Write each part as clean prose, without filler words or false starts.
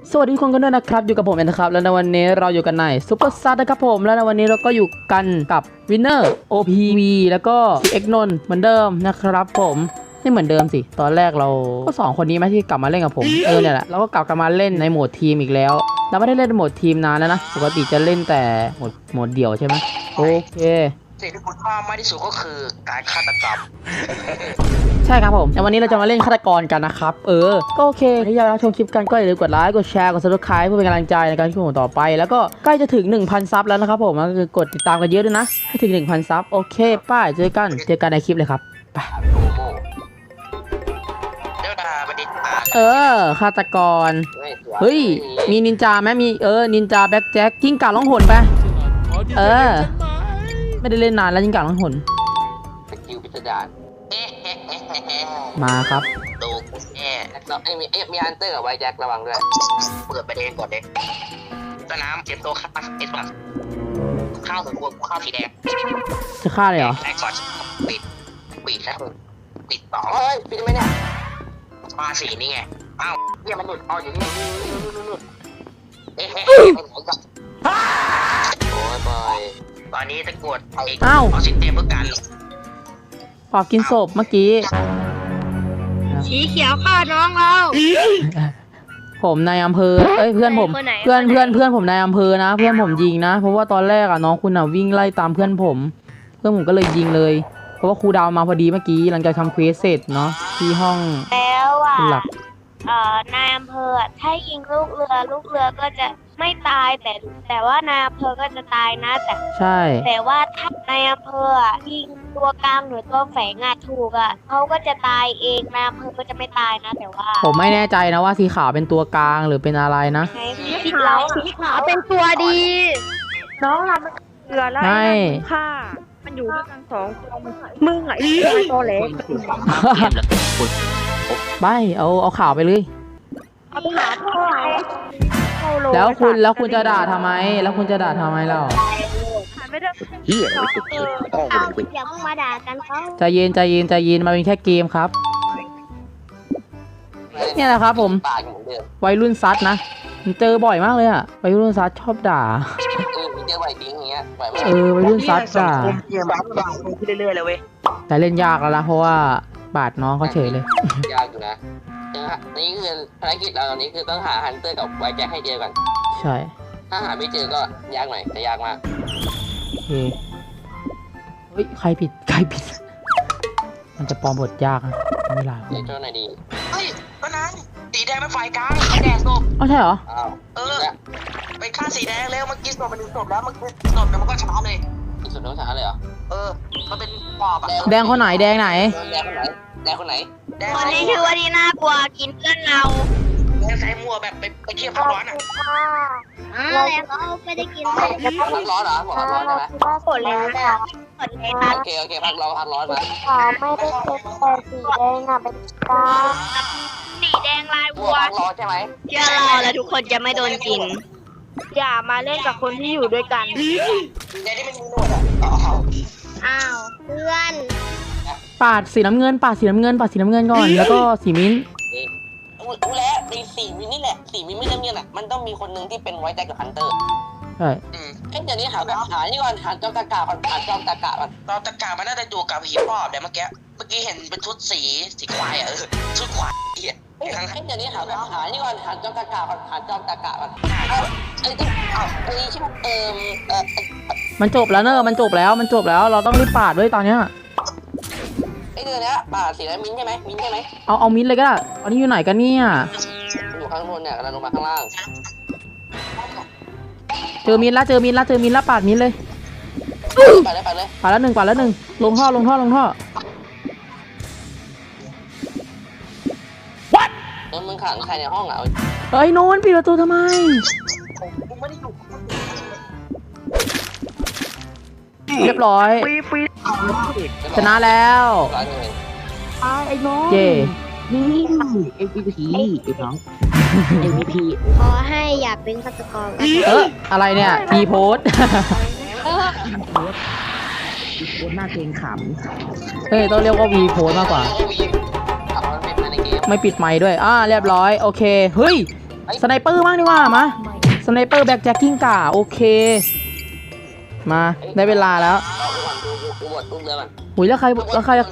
สวัสดีทุกคนกันด้วยนะครับอยู่กับผมเองนะครับแล้วในวันนี้เราอยู่กันในซุปเปอร์ซัดนะครับผมแล้วในวันนี้เราก็อยู่กันกับวินเนอร์ OPV แล้วก็เอ็กนนเหมือนเดิมนะครับผมไม่เหมือนเดิมสิตอนแรกเราก็2คนนี้ไหมที่กลับมาเล่นกับผมเนี่ยแหละเราก็กลับมาเล่นในโหมดทีมอีกแล้วเราไม่ได้เล่นในโหมดทีมนานแล้วนะปกติจะเล่นแต่โหมดเดี่ยวใช่ไหมโอเคสิ่งที่คุณชอบมากที่สุดก็คือการฆาตกรรมใช่ครับผมแต่วันนี้เราจะมาเล่นฆาตกรกันนะครับก็โอเคถ้าอยากรับชมคลิปกันก็อย่าลืมกดไลค์กดแชร์กด Subscribe เพื่อเป็นกำลังใจในการชมต่อไปแล้วก็ใกล้จะถึง 1,000 ซับแล้วนะครับผมก็คือกดติดตามกันเยอะด้วยนะให้ถึง 1,000 ซับโอเคป้ายเจอกันในคลิปเลยครับไปโอ้โหเดี๋ยวดาบัณฑิตฆาตกรเฮ้ยมีนินจาไหมมีนินจาแบ็คแจ็คกิ้งก่าล่องหนไปไม่ได้เล่นนานแล้วกิ้งก่าล่องหนสกิลพิสดารมาครับดูกูแน่แล้วมีฮันเตอร์กับไวแจ็คระวังด้วยเปิดประเด็นก่อนเลยสนามเก็บตัวข้าวเอ็ดบัสข้าวถึงกูข้าวสีแดงจะฆ่าเลยเหรอแอคก่อนปิดแล้วปิดต่อเฮ้ยปิดไหมเนี่ยมาสีนี่ไงอ้าวเนี่ยมันหลุดออกอยู่นี่โอ้ยบอยตอนนี้จะกดเอาสิเต็มเพื่อกันขอกินศพเมื่อกี้สีเขียวฆ่าน้องเราผมนายอำเภอเพื่อนผมเพื่อนผมนายอำเภอนะเพื่อนผมยิงนะเพราะว่าตอนแรกน้องคุณวิ่งไล่ตามเพื่อนผมก็เลยยิงเลยเพราะว่าครูดาวมาพอดีเมื่อกี้หลังจากทำเควสเสร็จเนาะที่ห้องแล้วนายอำเภอถ้ายิงลูกเรือก็จะไม่ตายแต่ว่านายอำเภอก็จะตายนะใช่แต่ว่าถ้านายอำเภอยิงตัวกลางหรือตัวแฝงถูกเขาก็จะตายเองนายอำเภอก็จะไม่ตายนะแต่ว่าผมไม่แน่ใจนะว่าสีขาวเป็นตัวกลางหรือเป็นอะไรนะสีขาวเป็นตัวดีน้องเราเรือแล้วค่ะมันอยู่ด้วยกัน2 ตัวมึงไหนตัวเล็กไปเอาข่าวไปเลยเอาไปหาพ่อแล้วคุณจะด่าทำไมเราไม่ได้อย่าเพิ่งมาด่ากันเขาใจเย็นมาเป็นแค่เกมครับเนี่ยแหละครับผมวัยรุ่นซัดนะเจอบ่อยมากเลยวัยรุ่นซัดชอบด่าเจอบ่อยจริงอย่างเงี้ยวัยรุ่นซัดด่าเรื่อยๆเลยเว้ยแต่เล่นยากแล้วนะเพราะว่าบาดน้องเขาเฉยเลยยากอยู่นะนี่คือภารกิจเราตอนนี้คือต้องหาฮันเตอร์กับไวแจ็คให้เจอก่อนใช่ถ้าหาไม่เจอก็ยากหน่อยแต่ยากมากโอเคเฮ้ยใครผิดมันจะปลอมบทยากนะไม่ลาเจ้าไหนดีเฮ้ยก็นั้นสีแดงเป็นฝ่ายกลางแดงศพใช่เหรอไปฆ่าสีแดงแล้วเมื่อกี้ศพมันศพแล้วมันศพมันก็ช้าเลยศพแล้วช้าเลยเหรอมันเป็นปอบแดงคนไหนแดงคนไหนคนนี้ชื่อว่าดีน่ากลัวกินเพื่อนเราใส่หมวกแบบไปเที่ยวพักร้อนแล้วก็ไม่ได้กินพักร้อนเหรอพักร้อนใช่ไหมกดเลยค่ะโอเคพักร้อนมาไม่ได้เป็นแต่สีแดงเป็นกาสีแดงลายวัวพักร้อนใช่ไหมเชื่อเราแล้วทุกคนจะไม่โดนกินอย่ามาเล่นกับคนที่อยู่ด้วยกันในที่มันมีหนวดอ้าวเพื่อนปาดสีน้ำเงินก่อนแล้วก็สีมิ้นรู้แล้วในสีมิ้นนี่แหละสีมิ้นไม่น้ำเงินมันต้องมีคนหนึ่งที่เป็นไวแจ็คกับฮันเตอร์ใช่เดี๋ยวนี้หานี่ก่อนหาจอมตะกาก่อนจอมตะกามันน่าจะอยู่กับผีปอบเดี๋ยวเมื่อกี้เห็นเป็นชุดสีควายชุดควายเดี๋ยวนี้หานี่ก่อนหาจอมตะกาก่อนจอมตะกาก่อนนี่ใช่ไหมมันจบแล้วมันจบแล้วเราต้องรีบปาดด้วยตอนเนี้ยเดือนนี้ปาดสีแล้วมิ้นใช่ไหมเอามิ้นเลยก็ได้ตอนนี้อยู่ไหนกันเนี่ยอยู่ข้างบนเนี่ยกำลังลงมาข้างล่างเจอมิ้นละปาดมิ้นเลยปาดแล้วหนึ่งลงท่อมึงขังใครในห้องโน้นปิดประตูทำไมเรียบร้อยชนะแล้วไอ้น้องเย่นี่MVP ไอ้น้อง MVP ขอให้อยากเป็นฆาตกรอะไรเนี่ยพีโพสหน้าเกรงขำต้องเรียกว่าวีโพสมากกว่าไม่ปิดไมค์ด้วยเรียบร้อยโอเคเฮ้ยสไนเปอร์บ้างดีกว่ามาสไนเปอร์แบ็คแจ็คกิ้งก่าโอเคมาได้เวลาแล้วกูบดเรือก่อนหุยแล้วใครวน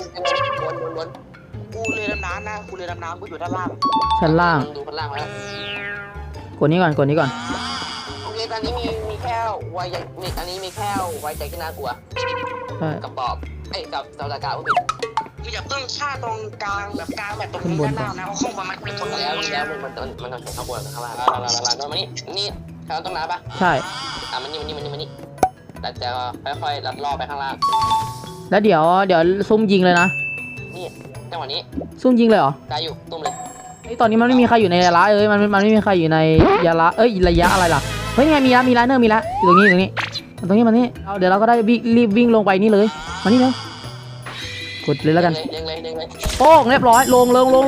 กูเรือดำน้ำนะกูเรือดำน้ำกูอยู่ด้านล่างชั้นล่างดูข้างล่างแล้วกดนี้ก่อนกดนี้ก่อนโอเคตอนนี้มีแค่ไวใจอันนี้มีแค่ไวใจที่น่ากลัวใช่กับปอบกับตากาผู้ผิดคืออย่าเพิ่งฆ่าตรงกลางแบบกลางแบบตรงนี้ด้านล่างนะเพราะข้างบนมันเป็นคนแล้วมันต้องเห็นข้างบนข้างล่างลามานี่เขาต้องน้ำปะใช่มันนี่แต่จะค่อยๆลัดล่อไปข้างล่างแล้วเดี๋ยวซุ่มยิงเลยนะนี่จังหวะนี้ซุ่มยิงเลยเหรอได้อยู่ตุ้มเลยไอตอนนี้มันไม่มีใครอยู่ในระยะมันไม่มีใครอยู่ในระยะอะไรล่ะเฮ้ยไงมีละเนอร์มีละอยู่ตรงนี้มานี่เดี๋ยวเราก็ได้รีบวิ่งลงไปนี่เลยมานี่เลยกดเลยแล้วกันเด้งเลยโป้งเรียบร้อยลง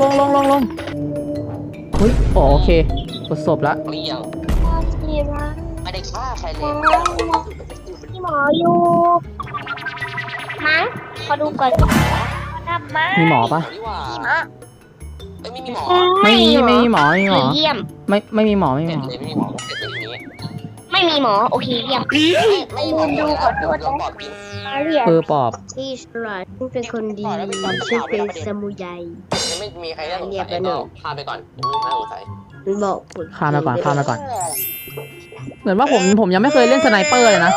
เฮ้ยโอเคกดศพละเลี้ยงไม่ได้ฆ่าใครเลยพี่หมออยู่มั้งขอดูก่อนทำไมมีหมอปะไม่มีหมอไม่มีหมอเยี่ยมไม่มีหมอเสร็จเลยไม่มีหมอเสร็จเลยทีนี้ไม่มีหมอโอเคเยี่ยมไม่มีหมอดูขอโทษนะปอบกินปอบที่ฉลาดฉันเป็นคนดีฉันเป็นสมุไรยังไม่มีใครได้สงสัยก็พาไปก่อนไม่น่าสงสัยมันบอกผลข้ามมาก่อนเหมือนว่าผมยังไม่เคยเล่นสไนเปอร์เลยนะ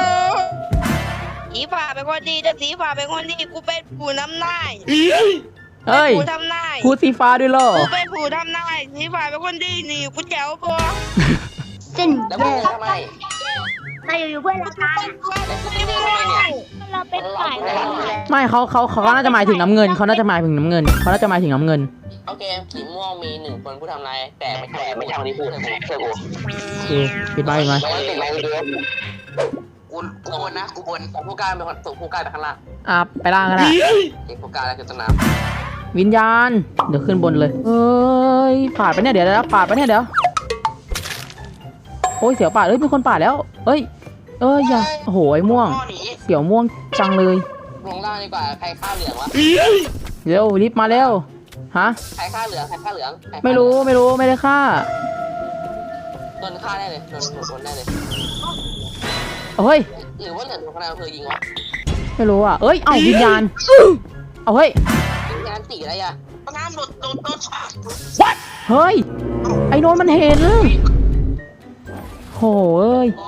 สีฝ่าเป็นคนดีจะสีฝ่าเป็นคนดีกูเป็นผู้นำนายเฮ้ยผู้ทำนายพูดสีฟ้าด้วยเหรอกูเป็นผู้ทำนายสีฝ่าเป็นคนดีนี่กูแจ๋วปะเส้นแล้วแย่มึงทำไมมาอยู่เพื่อนเราค่ะแล้วกูไม่ได้เนี่ยเราเป็นฝ่ายไหนไม่เขาน่าจะหมายถึงน้ำเงินเขาน่าจะหมายถึงน้ำเงินโอเคสีม่วงมี1คนผู้ทำนายแต่ไม่ใช่คนที่พูดเชื่อกูโอเคปิดไม้ไหมแล้วติดไม้ดูกูบนนะกูบนผู้การเป็นคนส่งผู้การไปข้างล่างไปล่างกันนะเด็กผู้การแล้วคือต้นน้วิญญาณเดี๋ยวขึ้นบนเลยเฮ้ยปาดไปเนี่ยเดี๋ยวปาดไปเนี่ยเดี๋ยวโอ้ยเสียวปาดมีคนปาดแล้วเอ้ยอย่าโอ้โหไอ้ม่วงเสียวม่วงจังเลยลงล่างดีกว่าใครฆ่าเหลืองวะเร็วรีบมาเร็วฮะใครฆ่าเหลืองไม่รู้ไม่ได้ฆ่าโดนฆ่าได้เลยโดนได้เลยเฮ้ยหรือว่าเหลืองโดนข้างในอำเภอยิงวะไม่รู้อ่ะเอ้ยเอ้าวิญญาณเอาเฮ้ยงานตีอะไรอ่ะน้ำโดนเฮ้ยไอ้โนนมันเห็นโหเอ้ย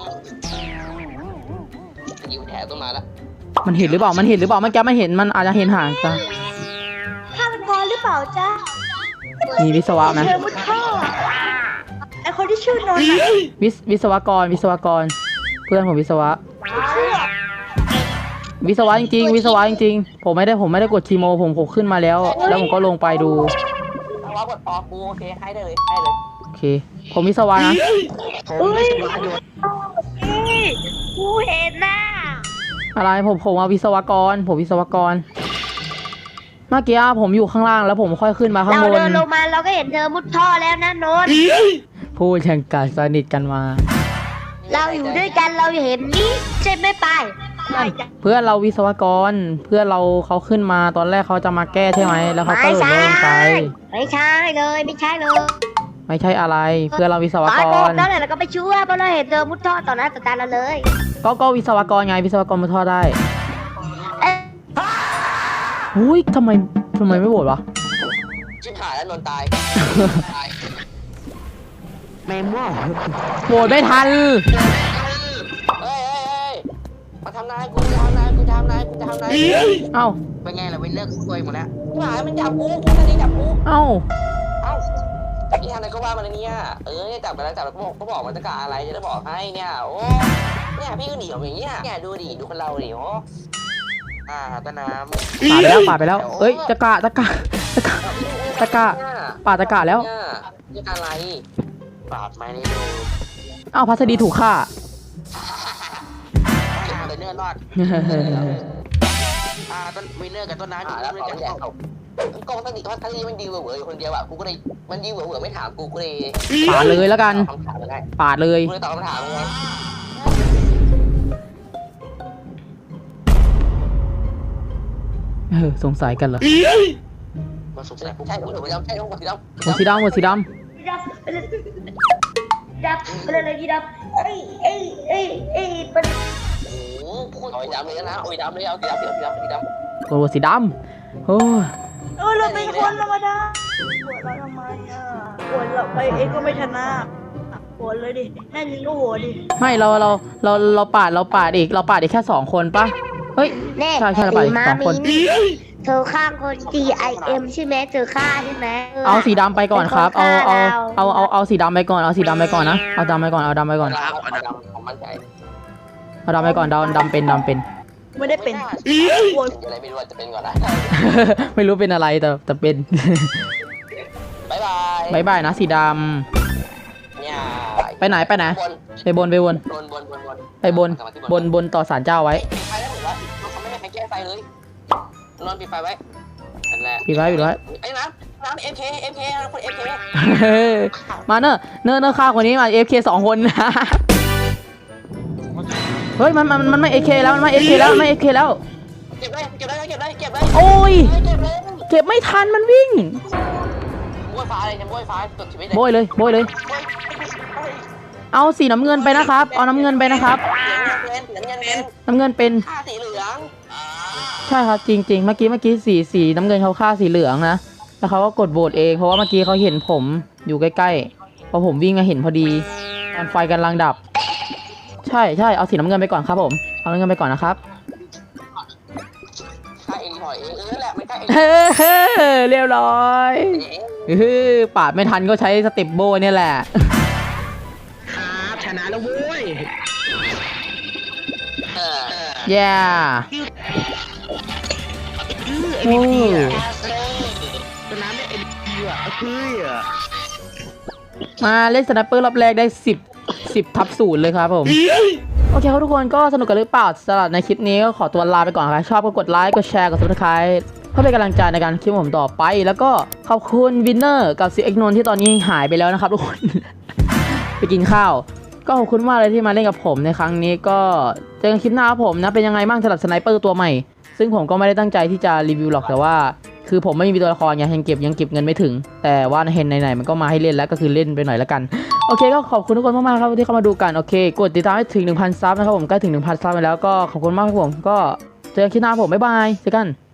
ยิงแถวต้นมาแล้วมันเห็นหรือเปล่ามันแกมันเห็นมันอาจจะเห็นห่างจ้ะข้าเป็นพอหรือเปล่าจ๊ะมีวิศวะไหมเธอมุดท่อไอคนที่ชื่อนนท์อะวิศวกรเพื่อนผมวิศวะจริงผมไม่ได้กดทีโมผมขึ้นมาแล้วผมก็ลงไปดูว่ากดออกกูโอเคให้เลยโอเคผมวิศวะนะอุ้ยกูเห็นน่ะอะไรผมว่าวิศวกรเมื่อกี้ผมอยู่ข้างล่างแล้วผมค่อยขึ้นมาข้างเราบเดินนลงมาเราก็เห็นเธอมุดท่อแล้วนะนนท์พูดอย่างกัดสนิทกันมาเราอยู่ด้วยกันเราเห็นนี่ใช่ไหมไปไม่จ้ะเพื่อนเราวิศวกรเพื่อนเราเขาขึ้นมาตอนแรกเขาจะมาแก้ใช่ไหมแล้วเขาก็หลุดลงไปไม่ใช่เลยไม่ใช่เลยไม่ใช่อะไรเพื่อนเราวิศวตอนกโกรงแล้วเราก็ไปช่วยเพราะเราเห็นเธอมุดท่อต่อหน้าต่อตาเราเลยก็วิศวกรไงวิศวกรมาทอดได้เอ๊ะหุ้ยทำไมไม่โหวตวะชิบหายแล้วนนตายโหวตไม่ทันเฮ้ยมาทำนายกูจะทำนายเอ้าเป็นไงล่ะเว้นเลิกคุยหมดแล้วหายมันจับกูตอนนี้จับกูเอ้านี่ทำอะไรก็ว่ามันเนี่ยเนี่ยจับไปแล้วก็บอกมันจะกะอะไรจะได้บอกให้เนี่ยโอ้เนี่ยพี่ก็หนีออกอย่างเงี้ยเนี่ยดูคนเราดิโอ้ต้นน้ำปาดไปแล้วเอ้ยตะกะปาดตะกะแล้วนี่อะไรปาดไม่ได้ดูเอ้าพัสดีถูกฆ่าเลยเนื้อรอดต้นวินเนอร์กับต้นน้ำอยู่ด้วยกันกองต้นนี้ทันทีมันดีเหวออยู่คนเดียวอ่ะกูก็เลยมันดีเหวอไม่ถามกูเลยปาดเลยแล้วกันคำถามได้ปาดเลยกูเลยตอบคำถามไงสงสัยกันเหรอสงสัยใช่ผมสีดำหมดสีดำสีดดับไปเลยดับไปเลยพี่ดับเอ้ยเป็นโอ้โหพูดโอ้ยดำเลยนะโอ้ยดำเลยเอาสีดำสีดำโอ้สีดำโอ้ยเราเป็นคนธรรมดาปวดเราทำไมอ่ะปวดเราไปเองก็ไม่ชนะปวดเลยดิแน่จริงก็หัวดิไม่เราปาดอีกแค่2 คนปะเฮ้ยแน่ใช่เราปาดอีก2 คนเธอข้างคน DIM ใช่ไหมเธอฆ่าใช่ไหมเอาสีดำไปก่อนครับเอาสีดำไปก่อนเอาสีดำไปก่อนนะเอาดำไปก่อนเอาดำไปก่อนผมมั่นใจเอาดำไปก่อนดำเป็นไม่ได้เป็นอะไรไม่รู้จะเป็นก่อนนะไม่รู้เป็นอะไรแต่เป็นบ๊ายบายบายบายนะสีดเนี่ยำไปไหนไปบนต่อศาลเจ้าไว้ปิดไฟแล้วเหมือนว่าเขาไม่ให้ใครแก้ไฟเลยนอนปิดไฟไว้นั่นแหละปิดไว้ไอ้น้ำ MK คน MK มาเนอะฆ่าคนนี้มา AFK 2 คนนะ เฮ้ยมันไม่ AK แล้วมันไม่ AK แล้วเก็บได้โอ้ยเก็บเลยเก็บไม่ทันมันวิ่งบ้วยฟ้าเลยบ้วยฟ้าสุดชีวิตโบยเลย เอาสีน้ำเงินไปนะครับ เอาน้ำเงินไปนะครับ น้ำเงินเป็นค่าสีเหลืองใช่ครับจริงๆเมื่อกี้สีน้ำเงินเขาฆ่าสีเหลืองนะแล้วเขาก็กดโหวตเองเพราะว่าเมื่อกี้เขาเห็นผมอยู่ใกล้ๆพอผมวิ่งมาเห็นพอดีตอนไฟกำลังดับ ใช่เอาสีน้ำเงินไปก่อนครับผมเอาน้ำเงินไปก่อนนะครับค่าเองหอยเองแหละไม่ค่าเองเรียบร้อยปาดไม่ทันก็ใช้สเต็ปโบเนี่ยแหละครับชนะแล้วเว้ยแย่โอ้ชนะไม่เอ็นดีอ่ะคืออ่ะมาเล่นสไนเปอร์รอบแรกได้10/0เลยครับผม โอเคครับทุกคนก็สนุกกันหรือเปล่าสำหรับในคลิปนี้ก็ขอตัวลาไปก่อนครับชอบก็กดไลค์กดแชร์กด Subscribe เพื่อเป็นกำลังใจในการคลิปผมต่อไป แล้วก็ขอบคุณวินเนอร์กับซีเอ็กนนท์ที่ตอนนี้หายไปแล้วนะครับทุกคน ไปกินข้าวก็ขอบคุณมากเลยที่มาเล่นกับผมในครั้งนี้ก็เจอกันคลิปหน้าครับผมนะเป็นยังไงบ้างสำหรับสไนเปอร์ตัวใหม่ซึ่งผมก็ไม่ได้ตั้งใจที่จะรีวิวหรอกแต่ว่าคือผมไม่มีตัวละครยังเก็บเงินไม่ถึงแต่ว่าเห็นไหนๆมันก็มาให้เล่นแล้วก็คือเล่นไปหน่อยละกันโอเคก็ขอบคุณทุกคนมากๆครับที่เข้ามาดูกันโอเคกดติดตามให้ถึง 1,000 ซับนะครับผมใกล้ถึง 1,000 ซับไปแล้วก็ขอบคุณมากครับผมก็เจอกันคลิปหน้าผมบ๊ายบายเจอกัน